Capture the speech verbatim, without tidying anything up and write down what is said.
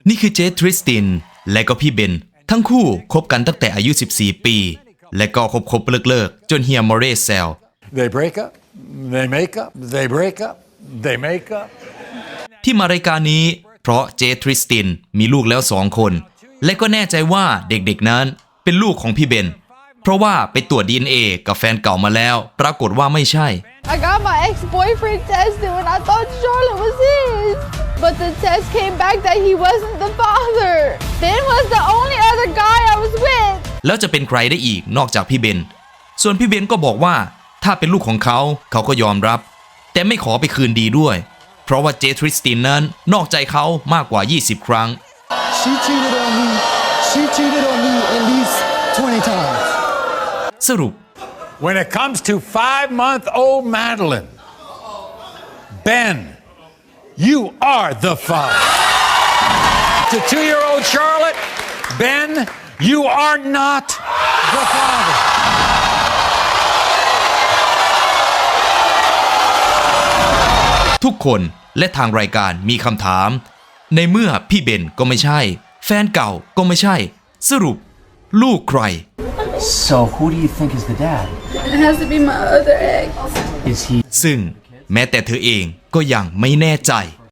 นี่คือเจทริสตินและก็พี่เบนทั้งคู่คบกันตั้งแต่อายุสิบสี่ปีและก็คบคบเลิกเลิกจนเฮียมอเรสแซว They break up, they make up, they break up, they make up ที่มารายการนี้เพราะเจทริสตินมีลูกแล้วสองคนและก็แน่ใจว่าเด็กๆนั้นเป็นลูกของพี่เบนเพราะว่าไปตรวจ ดี เอ็น เอ กับแฟนเก่ามาแล้วปรากฏว่าไม่ใช่ I got my ex-boyfriend tested when I thought Charlotte was his. But the test came back that he wasn't the father. Ben was the only other guy I was with. แล้วจะเป็นใครได้อีกนอกจากพี่เบนส่วนพี่เบนก็บอกว่าถ้าเป็นลูกของเขาเขาก็ยอมรับแต่ไม่ขอไปคืนดีด้วยเพราะว่าเจทริสตินนั้นนอกใจเขามากกว่ายี่สิบครั้ง She cheated on me. She cheated on me at least twenty times. สรุป When it comes to five-month-old Madeline, Ben, you are the father. To two-year-old Charlotte, Ben, you are not the father. ทุกคนและทางรายการมีคำถามในเมื่อพี่เบนก็ไม่ใช่แฟนเก่าก็ไม่ใช่สรุปลูกใคร So who do you think is the dad? It has to be my other ex. Is he ซึ่งแม้แต่เธอเองก็ยังไม่แน่ใจ